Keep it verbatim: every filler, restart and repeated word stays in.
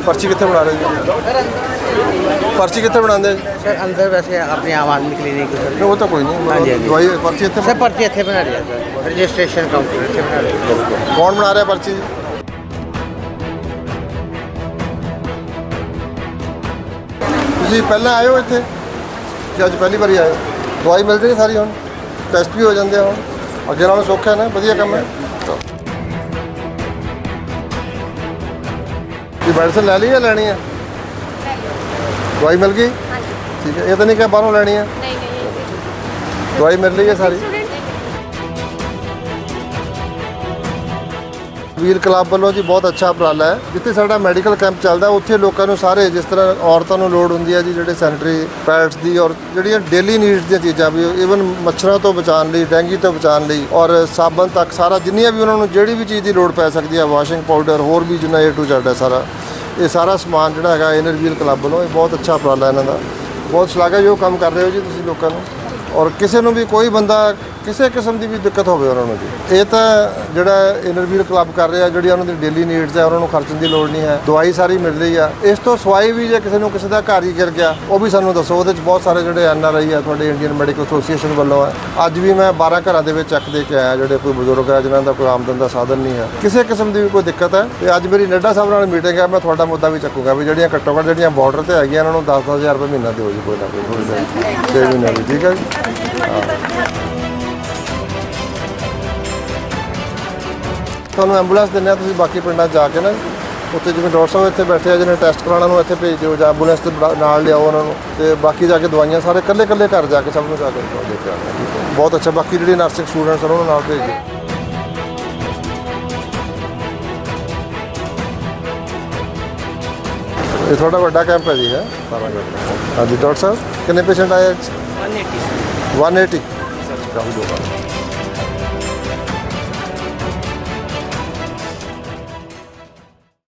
पर्ची कितने बना रहे जी? पर्ची कितने बनाते सर अंदर वैसे अपने आम आदमी क्लिनिक सर वो तो कोई नहीं, हाँ जी, हाँ जी। दवाई पर्ची इतने सर पर्ची इतने बना रही है सर रजिस्ट्रेशन काउंटर इतने बना रही है। कौन बना रहा है पर्ची? ਤੁਸੀਂ ਪਹਿਲਾਂ ਆਏ ਹੋ ਇੱਥੇ ਕਿ ਅੱਜ ਪਹਿਲੀ ਵਾਰੀ ਆਏ ਹੋ? ਦਵਾਈ ਮਿਲ ਰਹੀ ਸਾਰੀ ਹੁਣ, ਟੈਸਟ ਵੀ ਹੋ ਜਾਂਦੇ ਆ ਹੁਣ, ਅੱਗੇ ਨਾਲੋਂ ਸੌਖਾ ਹੈ ਨਾ, ਵਧੀਆ ਕੰਮ ਹੈ। ਕੀ ਮੈਡੀਸਨ ਲੈ ਲਈ ਜਾਂ ਲੈਣੀ ਹੈ? ਦਵਾਈ ਮਿਲ ਗਈ? ਠੀਕ ਹੈ, ਇਹ ਤਾਂ ਨਹੀਂ ਕਿ ਬਾਹਰੋਂ ਲੈਣੀ ਹੈ? ਨਹੀਂ ਨਹੀਂ ਦਵਾਈ ਮਿਲ ਰਹੀ ਹੈ ਸਾਰੀ? ਵੀਲ ਕਲੱਬ ਵੱਲੋਂ ਜੀ ਬਹੁਤ ਅੱਛਾ ਉਪਰਾਲਾ ਹੈ। ਜਿੱਥੇ ਸਾਡਾ ਮੈਡੀਕਲ ਕੈਂਪ ਚੱਲਦਾ ਉੱਥੇ ਲੋਕਾਂ ਨੂੰ ਸਾਰੇ, ਜਿਸ ਤਰ੍ਹਾਂ ਔਰਤਾਂ ਨੂੰ ਲੋੜ ਹੁੰਦੀ ਹੈ ਜੀ ਜਿਹੜੇ ਸੈਨੀਟਰੀ ਪੈਡਸ ਦੀ ਔਰ ਜਿਹੜੀਆਂ ਡੇਲੀ ਨੀਡਸ ਦੀਆਂ ਚੀਜ਼ਾਂ ਵੀ, ਈਵਨ ਮੱਛਰਾਂ ਤੋਂ ਬਚਾਉਣ ਲਈ, ਡੈਂਗੀ ਤੋਂ ਬਚਾਉਣ ਲਈ ਔਰ ਸਾਬਣ ਤੱਕ ਸਾਰਾ, ਜਿੰਨੀਆਂ ਵੀ ਉਹਨਾਂ ਨੂੰ ਜਿਹੜੀ ਵੀ ਚੀਜ਼ ਦੀ ਲੋੜ ਪੈ ਸਕਦੀ ਹੈ, ਵਾਸ਼ਿੰਗ ਪਾਊਡਰ, ਹੋਰ ਵੀ ਜਿੰਨਾ ਏ ਟੂ ਜ਼ੈਡ ਹੈ ਸਾਰਾ, ਇਹ ਸਾਰਾ ਸਮਾਨ ਜਿਹੜਾ ਹੈਗਾ ਇਨਰ ਵੀਲ ਕਲੱਬ ਵੱਲੋਂ, ਇਹ ਬਹੁਤ ਅੱਛਾ ਉਪਰਾਲਾ ਇਹਨਾਂ ਦਾ। ਬਹੁਤ ਸ਼ਲਾਘਾਯੋਗ ਕੰਮ ਕਰ ਰਹੇ ਹੋ ਜੀ ਤੁਸੀਂ ਲੋਕਾਂ ਨੂੰ। ਔਰ ਕਿਸੇ ਨੂੰ ਵੀ ਕੋਈ ਬੰਦਾ ਕਿਸੇ ਕਿਸਮ ਦੀ ਵੀ ਦਿੱਕਤ ਹੋਵੇ ਉਹਨਾਂ ਨੂੰ ਜੀ, ਇਹ ਤਾਂ ਜਿਹੜਾ ਇਨਰ ਵੀਲ ਕਲੱਬ ਕਰ ਰਿਹਾ, ਜਿਹੜੀਆਂ ਉਹਨਾਂ ਦੀ ਡੇਲੀ ਨੀਡਸ ਹੈ ਉਹਨਾਂ ਨੂੰ ਖਰਚਣ ਦੀ ਲੋੜ ਨਹੀਂ ਹੈ, ਦਵਾਈ ਸਾਰੀ ਮਿਲ ਰਹੀ ਆ। ਇਸ ਤੋਂ ਸਵਾਈ ਵੀ ਜੇ ਕਿਸੇ ਨੂੰ ਕਿਸੇ ਦਾ ਘਰ ਹੀ ਗਿਰ ਗਿਆ ਉਹ ਵੀ ਸਾਨੂੰ ਦੱਸੋ, ਉਹਦੇ 'ਚ ਬਹੁਤ ਸਾਰੇ ਜਿਹੜੇ ਐਨ ਆਰ ਆਈ ਆ ਤੁਹਾਡੇ ਇੰਡੀਅਨ ਮੈਡੀਕਲ ਐਸੋਸੀਏਸ਼ਨ ਵੱਲੋਂ ਹੈ। ਅੱਜ ਵੀ ਮੈਂ ਬਾਰਾਂ ਘਰਾਂ ਦੇ ਵਿੱਚ ਚੈੱਕ ਦੇ ਕੇ ਆਇਆ ਜਿਹੜੇ ਕੋਈ ਬਜ਼ੁਰਗ ਹੈ ਜਿਨ੍ਹਾਂ ਦਾ ਕੋਈ ਆਮਦਨ ਦਾ ਸਾਧਨ ਨਹੀਂ ਹੈ, ਕਿਸੇ ਕਿਸਮ ਦੀ ਵੀ ਕੋਈ ਦਿੱਕਤ ਹੈ। ਤੇ ਅੱਜ ਮੇਰੀ ਨੱਡਾ ਸਾਹਿਬ ਨਾਲ ਮੀਟਿੰਗ ਹੈ, ਮੈਂ ਤੁਹਾਡਾ ਮੁੱਦਾ ਵੀ ਚੱਕੂਗਾ ਵੀ ਜਿਹੜੀਆਂ ਘੱਟੋ ਘੱਟ ਜਿਹੜੀਆਂ ਬਾਰਡਰ ਤੇ ਹੈਗੀਆਂ ਉਹਨਾਂ ਨੂੰ ਦਸ ਦਸ ਹਜ਼ਾਰ ਰੁਪਏ ਮਹੀਨਾ ਦਿਓ ਜੀ, ਕੋਈ ਨਾ ਕੋਈ ਥੋੜ੍ਹੀ ਜਿਹੀ ਛੇ ਮਹੀਨੇ ਦੀ, ਠੀਕ ਹੈ ਜੀ। ਹਾਂ, ਤੁਹਾਨੂੰ ਐਂਬੂਲੈਂਸ ਦਿੰਦੇ ਹਾਂ, ਤੁਸੀਂ ਬਾਕੀ ਪਿੰਡਾਂ 'ਚ ਜਾ ਕੇ ਨਾ ਉੱਥੇ ਜਿਵੇਂ ਡਾਕਟਰ ਸਾਹਿਬ ਇੱਥੇ ਬੈਠੇ ਆ, ਜਿਹਨੇ ਟੈਸਟ ਕਰਾਉਣਾ ਨੂੰ ਇੱਥੇ ਭੇਜ ਦਿਓ ਜਾਂ ਐਂਬੂਲੈਂਸ ਦੇ ਨਾਲ ਲਿਆਓ ਉਹਨਾਂ ਨੂੰ, ਤੇ ਬਾਕੀ ਜਾ ਕੇ ਦਵਾਈਆਂ ਸਾਰੇ ਇਕੱਲੇ ਇਕੱਲੇ ਘਰ ਜਾ ਕੇ ਸਭ ਨੂੰ ਜਾ ਕੇ ਦੇ ਕੇ ਆਉਣਾ, ਠੀਕ ਹੈ। ਬਹੁਤ ਅੱਛਾ। ਬਾਕੀ ਜਿਹੜੀ ਨਰਸਿੰਗ ਸਟੂਡੈਂਟਸ ਉਹਨਾਂ ਨੂੰ ਨਾਲ ਭੇਜ ਦਿਓ। ਇਹ ਤੁਹਾਡਾ ਵੱਡਾ ਕੈਂਪ ਹੈ ਜੀ, ਹੈ ਸਾਰਾ ਕੈਂਪ। ਹਾਂਜੀ ਡਾਕਟਰ ਸਾਹਿਬ, ਕਿੰਨੇ ਪੇਸ਼ੈਂਟ ਆਏ? वन एटी वन एटी काफ़ी लोग आए।